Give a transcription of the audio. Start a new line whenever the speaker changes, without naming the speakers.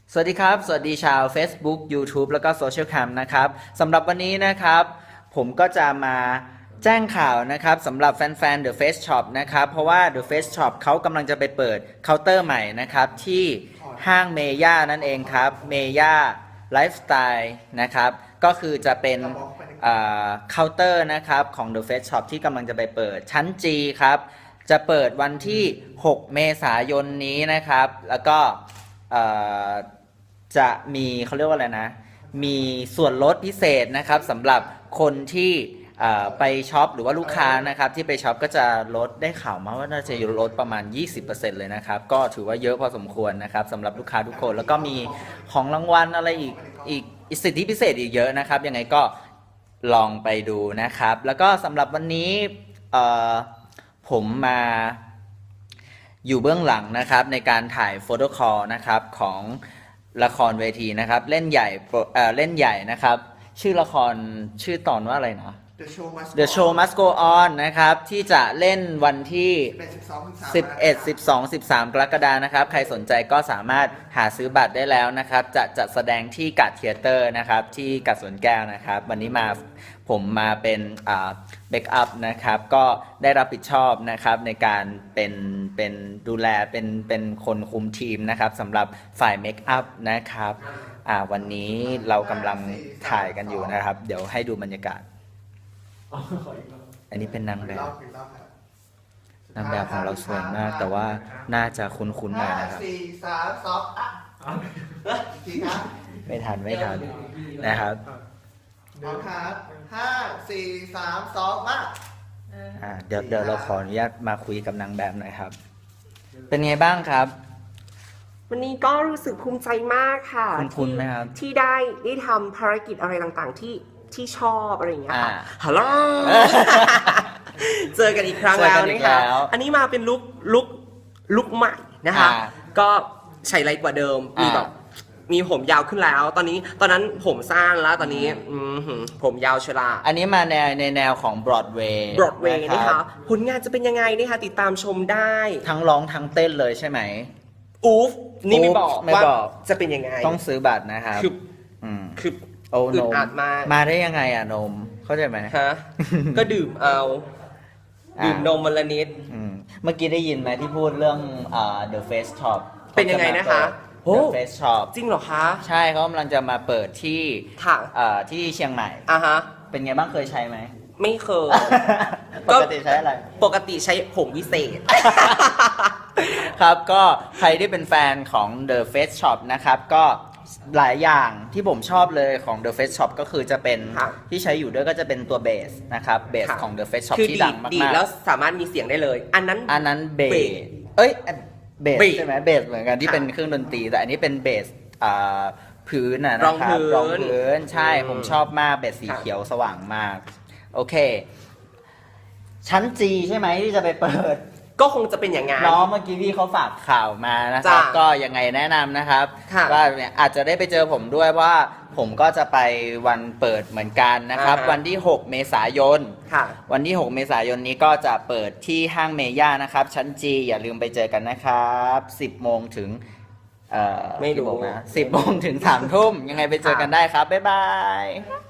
สวัสดีครับสวัสดีชาว Facebook YouTube แล้วก็โซเชียลแคมนะครับสำหรับวันนี้นะครับผมก็จะมาแจ้งข่าวนะครับสำหรับแฟนๆ The Face Shop นะครับเพราะว่า The Face Shop เขากำลังจะไปเปิดเคาน์เตอร์ใหม่นะครับที่ห้างเมย่านั่นเองครับเมย่าไลฟ์สไตล์นะครับก็คือจะเป็นเคาน์เตอร์นะครับของ The Face Shop ที่กำลังจะไปเปิดชั้น G ครับจะเปิดวันที่ 6 เมษายนนี้นะครับแล้วก็จะมีเขาเรียกว่าอะไรนะมีส่วนลดพิเศษนะครับสำหรับคนที่ไปช็อปหรือว่าลูกค้านะครับที่ไปช็อปก็จะลดได้ข่าวมาว่าน่าจะลดประมาณ 20% เลยนะครับก็ถือว่าเยอะพอสมควรนะครับสำหรับลูกค้าทุกคนแล้วก็มีของรางวัลอะไรอีกสิทธิพิเศษอีกเยอะนะครับยังไงก็ลองไปดูนะครับแล้วก็สำหรับวันนี้ผมมาอยู่เบื้องหลังนะครับในการถ่ายโฟโต้คอลนะครับของละครเวทีนะครับเล่นใหญ่นะครับชื่อละครชื่อตอนว่าอะไรนะ The Show Must Go On นะครับที่จะเล่นวันที่11 12 13 กรกฎาคมนะครับใครสนใจก็สามารถหาซื้อบัตรได้แล้วนะครับจะจัดแสดงที่กัดเธียเตอร์นะครับที่กัดสวนแก้วนะครับวันนี้ผมมาเป็นเบคอัพนะครับก็ได้รับผิดชอบนะครับในการเป็นดูแลเป็นคนคุมทีมนะครับสำหรับฝ่ายเมคอัพนะครับวันนี้เรากำลังถ่ายกันอยู่นะครับเดี๋ยวให้ดูบรรยากาศอันนี้เป็นนางแบบของเราสวยมากแต่ว่าน่าจะคุ้นๆหน่อยนะครับ
4 3 2ทีครับ
ไม่ทันนะครับ
พร้อมครับ5 4 3 2มา
เดี๋ยวเราขออนุญาตมาคุยกับนางแบบหน่อยครับเป็นไงบ้างครับ
วันนี้ก็รู้สึกภูมิใจมากค่ะ
คุ้นไหมครับ
ที่ได้ทำภารกิจอะไรต่างๆที่ชอบอะไรอย่างเงี้ยค่ะฮัลโหลเจอกันอีกครั้งแล้วนะคะอันนี้มาเป็นลุกใหม่นะคะก็ใช้ไรกว่าเดิมมีผมยาวขึ้นแล้วตอนนั้นผมสั้นแล้วตอนนี้ผมยาวชรา
อันนี้มาในแนวของ Broadway
นะคะผลงานจะเป็นยังไงนะคะติดตามชมได้
ทั้งร้องทั้งเต้นเลยใช่ไหม
อุ๊ฟนี่ไม่บอกว่าจะเป็นยังไง
ต้องซื้อบัตรนะครับ
คือ
โอ้นมมาได้ยังไงอะนมเข้าใจไหม
ฮะก็ดื่มนมวันละนิด
เมื่อกี้ได้ยินไหมที่พูดเรื่องThe Face Shop
เป็นยังไงนะคะ
The Face Shop
จริงเหรอคะ
ใช่เขากำลังจะมาเปิดที่ที่เชียงใหม่
ฮะ
เป็นไงบ้างเคยใช้ไหม
ไม่เคย
ปกติใช้อะไร
ปกติใช้ผงวิเศษ
ครับก็ใครที่เป็นแฟนของ The Face Shop นะครับก็หลายอย่างที่ผมชอบเลยของ The Face Shop ก็คือจะเป็นที่ใช้อยู่ด้วยก็จะเป็นตัวเบสนะครับเบสของ The Face Shop ที่ดังมากๆ
ดีแล้วสามารถมีเสียงได้เลยอันนั้น
เบสเบสใช่ไหมเบสเหมือนกันที่เป็นเครื่องดนตรีแต่อันนี้เป็นเบสพื้นนะครับรองพื้นใช่ผมชอบมากเบสสีเขียวสว่างมากโอเคชั้น G ใช่ไหมที่จะไปเปิด
ก็คงจะเป็นอย่างงั้น
น้องเมื่อกี้พี่เขาฝากข่าวมานะครับก็ยังไงแนะนำนะครับว่าเนี่ยอาจจะได้ไปเจอผมด้วยว่าผมก็จะไปวันเปิดเหมือนกันนะครับวันที่6 เมษายนวันที่6 เมษายนนี้ก็จะเปิดที่ห้างเมย่านะครับชั้น G อย่าลืมไปเจอกันนะครับ10 โมงถึง
ไม่รู้
นะ10 โมงถึง 3 ทุ่มยังไงไปเจอกันได้ครับบ๊ายบาย